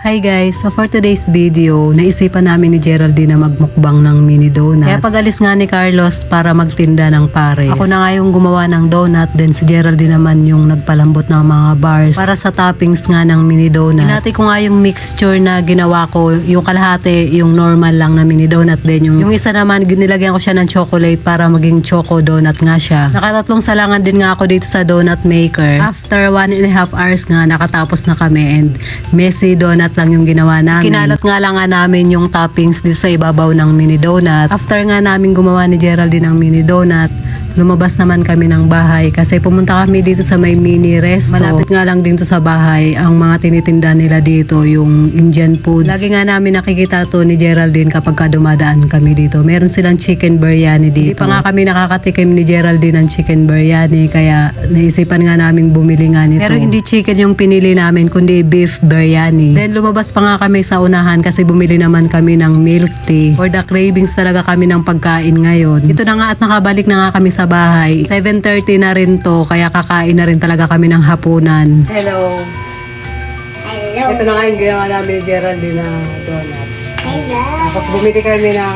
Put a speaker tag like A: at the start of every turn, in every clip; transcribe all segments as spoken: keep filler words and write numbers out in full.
A: Hi guys! So for today's video, naisipan namin ni Geraldine na magmukbang ng mini donut. Kaya pag-alis nga ni Carlos para magtinda ng pares. Ako na nga yung gumawa ng donut, then si Geraldine naman yung nagpalambot ng mga bars para sa toppings nga ng mini donut. Hinati ko nga yung mixture na ginawa ko, yung kalahati, yung normal lang na mini donut din. Yung, yung isa naman, nilagyan ko siya ng chocolate para maging choco donut nga siya. Nakatatlong salangan din nga ako dito sa donut maker. After one and a half hours nga, nakatapos na kami and messy donut lang yung ginawa namin. Kinalat nga lang nga namin yung toppings dito sa ibabaw ng mini donut. After nga namin gumawa ni Geraldine ng mini donut, lumabas naman kami ng bahay kasi pumunta kami dito sa may mini resto. Malapit nga lang dito sa bahay ang mga tinitinda nila dito, yung Indian foods. Lagi nga namin nakikita to ni Geraldine kapag ka dumadaan kami dito. Meron silang chicken biryani dito. Hindi pa nga kami nakakatikim ni Geraldine ng chicken biryani kaya naisipan nga namin bumili nga nito. Pero hindi chicken yung pinili namin kundi beef biryani. Then lumabas pa nga kami sa unahan kasi bumili naman kami ng milk tea. For the cravings talaga kami ng pagkain ngayon. Ito na nga at nakabalik na nga kami sa bahay. seven thirty na rin to kaya kakain na rin talaga kami ng hapunan. Hello!
B: Hello.
A: Ito na nga yung ginawa namin ni Geraldine na donut.
B: Hello.
A: Tapos bumili kami ng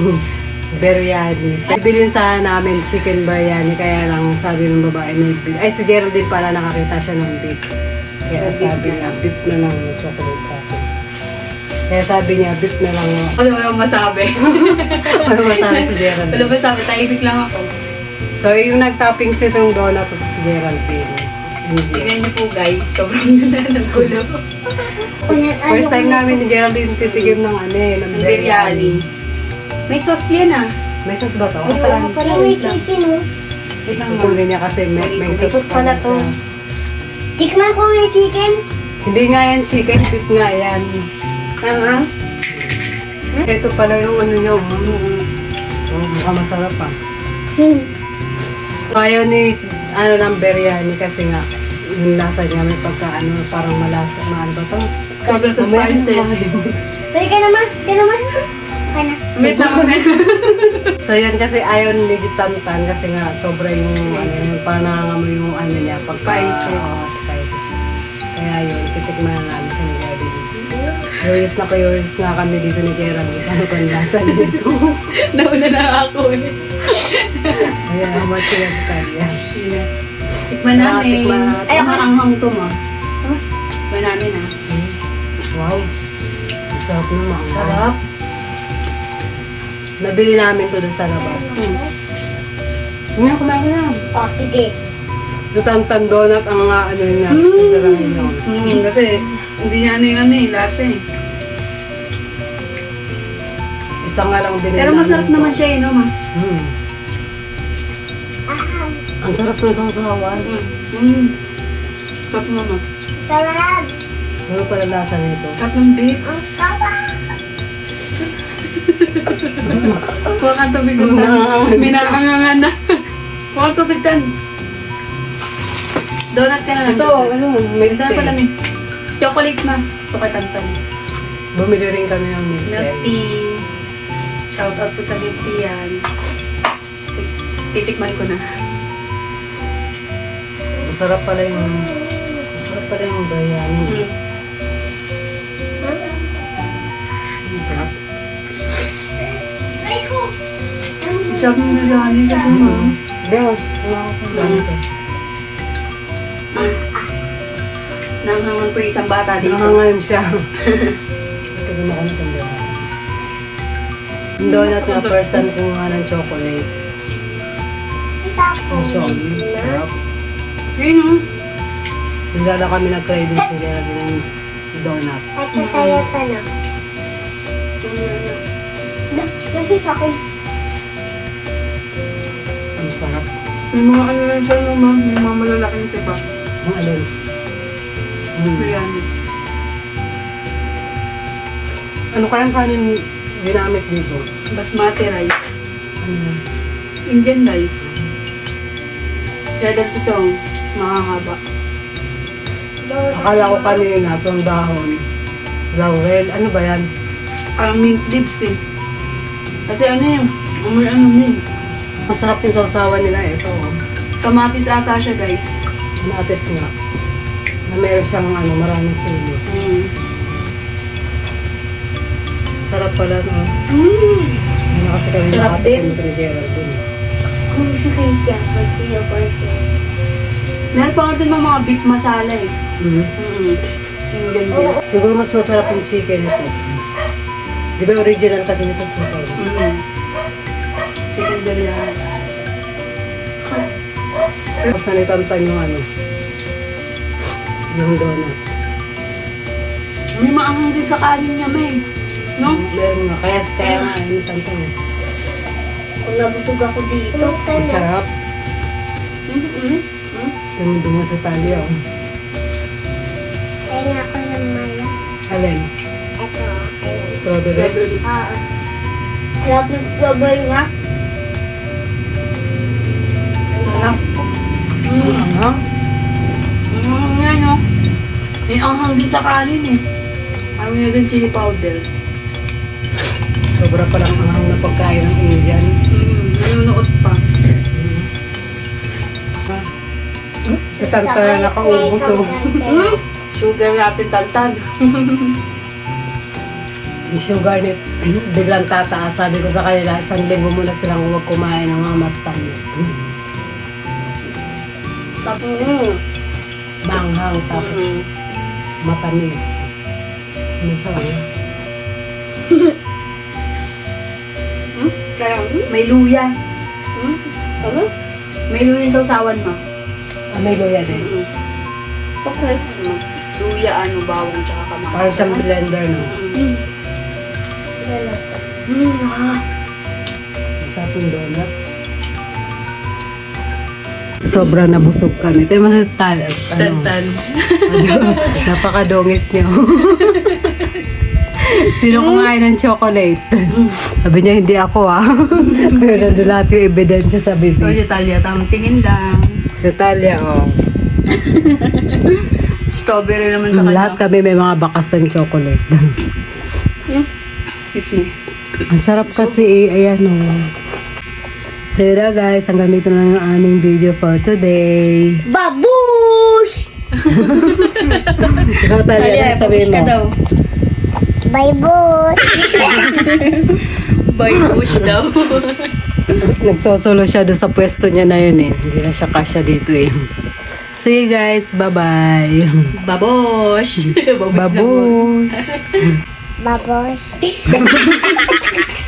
A: biryani. Bibilin sana namin chicken biryani kaya lang sabi ng babae may beef. Ay si Geraldine pala nakakita siya ng beef. Kaya sabi niya beef na lang chocolate coffee. Kaya sabi niya beef na lang.
C: Wala mo yung masabi.
A: Ano masabi si Geraldine?
C: Wala masabi, tahimik lang ako.
A: So yung nag-toppings nitong donut ito si Geraldine. Hindi.
C: Tingnan niyo po guys, sobrang ganda ng gulo.
A: First time namin ni Geraldine titigim ng ano eh, ng
C: Ng
A: biryani.
C: biryani. May sauce yan ah.
A: May sauce ba to?
B: Wala
A: Saan?
B: pa rin may chicken, oh.
C: Wait lang nga.
A: Kukunin niya kasi may, may
C: May
A: sauce,
C: sauce pala to.
A: siya.
B: Tikman ko may chicken.
A: Hindi nga yan chicken, beef nga yan.
C: Ah, ah.
A: Ito pala yung ano niya. Mm, oh, mukhang masarap ah.
B: Hmm.
A: Ayaw ni ano ng biryani kasi nga yung lasa niya may pagka ano parang malasa. Maano ba to?
C: Sobrang sa
A: Mamaya
C: spices.
B: Pwede ka naman. Ka naman. Okay na.
C: Wait lang kami.
A: So yun kasi ayaw ni Tantan kasi nga sobra yung ano yung parang nangangamoy yung ano niya pagka,
C: Spices.
A: Oo, spices. Kaya yun, titikman na namin siya ni Geraldine. Curious na curious nga kami dito ni Geraldine. Ano ba ang lasa nito?
C: Nauna na ako eh.
A: Kaya how much siya sa kanya.
C: Tikman namin.
A: Tikman natin.
C: Ay, ang anghang to mo. Tikman namin ah.
A: Hmm. Wow. Ang sarap naman.
C: Sarap.
A: Nabili namin to doon sa labas.
C: Hmm.
A: Ngayon kumain ka na.
B: Oh, sige.
A: Yung Tantan donut ang nga ano yun na. Sasarahin yun.
C: Hmm, kasi hindi niya ano yung ano eh, lasa eh.
A: Isa nga lang binili
C: Pero masarap
A: namin to.
C: naman siya eh, no ma?
A: Hmm. Ang sarap ng sausawan.
C: Hmm. Hmm. Sarap mo ma.
B: Sarap.
A: Ano pala lasa nito?
C: Sarap ng beef.
B: Ang sarap.
C: Kuha kang tubig ko na. Minaangangan na. Kuha kang tubig tan. Donut ka na lang.
A: Ito, ano, milk
C: Ito pala
A: tea.
C: may chocolate ma. Ito kay Tantan.
A: Bumili rin kami ng milk
C: Milk
A: tea.
C: tea. Shout out po sa milk tea yan. Titikman ko na.
A: Masarap pala yung, masarap pala yung biryani.
C: Hmm.
A: Ang sarap.
B: Ay ko.
C: Sarap ng biryani ka po ma.
A: Beo, wala ko kung ganito.
C: Nanghangan po yung isang bata dito.
A: Nangangayon siya. Ito rin ako ng biryani. Yung donut nga, person ko nga ng chocolate.
B: Tapos.
A: So, sarap.
C: Ayun o.
A: Nagdala kami nag-cravings ni Geraldine ng donut.
B: At tayo ka na. Kasi sa akin.
A: Ang sarap.
C: May mga ano lang siya no ma. May mga malalaking tiba.
A: Ang alin. Mm.
C: Biryani.
A: Ano kayang kanin ginamit dito?
C: Basmati rice.
A: Ano yan?
C: Indian rice. Kaya dahil ito makakaba.
A: Akala ko kanina itong dahon. Laurel. Ano ba yan?
C: Parang mint leaves eh. Kasi ano yun, amoy ano yun.
A: Masarap din sa usawa nila eh. Ito. Oh.
C: Kamatis ata siya guys.
A: Natis nga. Na meron siyang ano, maraming sili.
C: Mm.
A: pala, no?
C: Mm.
A: Ano kasi kami
C: Sarap din.
A: nakatikim ni Geraldine.
B: Kung sa kaya, pag pinaporte.
C: Meron pa nga dun ng mga beef masala eh.
A: Mhm.
C: Mm. Yung ganda.
A: Siguro mas masarap yung chicken ito. Di ba original kasi nito chicken?
C: Mm. Chicken biryani.
A: Tapos nanitamtan yung ano, yung donut.
C: May maanghang din sa kanin niya, May. No?
A: Meron nga, kaya kaya nga, nanitamtan niya.
B: Kung nabusog ako dito.
A: Masarap.
C: Mm-hmm.
A: Dumudungo sa tali ako.
B: Kaya nga ako ng mala.
A: Alin?
B: Ito, ayun.
A: Strawberry?
B: Oo. Sarap ng strawberry nga.
C: Sarap. Mm.
A: Ano?
C: Mm, yan no. May anghang din sa kanin eh. Ayaw niya din chili powder.
A: Sobra palang ang na pagkain ng Indian.
C: Mm, nanunood pa.
A: Si Tanta na nakaubos. Oh.
C: Mm, sugar natin tantan.
A: Yung sugar nit, biglang tataas. Sabi ko sa kanila, isang linggo muna silang huwag kumain ng mga matamis.
C: Tapos, mm.
A: Manghang, tapos
C: Mm.
A: matamis. Ano siya? Ano?
C: Hmm? Kaya, hmm, may luya. Hmm? Ano? May luya sa usawan mo.
A: Ah, may luya din.
C: Mm. Okay. Ano? Luya, ano, bawang, tsaka kamatis.
A: Parang siyang blender, no?
C: Mm. Mm. Ah.
A: Sa atong donut. Sobrang nabusog kami. Ito naman sa tal. Ano,
C: Tantan.
A: napakadongis niyo. Sino kumain ng chocolate? Sabi niya, hindi ako ah. Pero nandun lahat yung ebidensya sa
C: O,
A: bibig.
C: si Talia, tamang tingin lang.
A: Sa Talia, oh.
C: Strawberry naman sa kanya.
A: Lahat kami may mga bakas ng chocolate.
C: Hmm? Excuse me.
A: Ang sarap kasi eh. Ayan oh. So yun na guys, hanggang dito na lang yung aming video for today.
B: Babush!
A: Ikaw Talia, ano sabihin mo?
C: daw.
B: Bye, bush!
C: Bye, push daw.
A: Nagsosolo siya doon sa pwesto niya na yun eh. Hindi na siya kasya dito eh. See you guys. Bye-bye.
C: Babosh.
A: Babush.
B: Babush!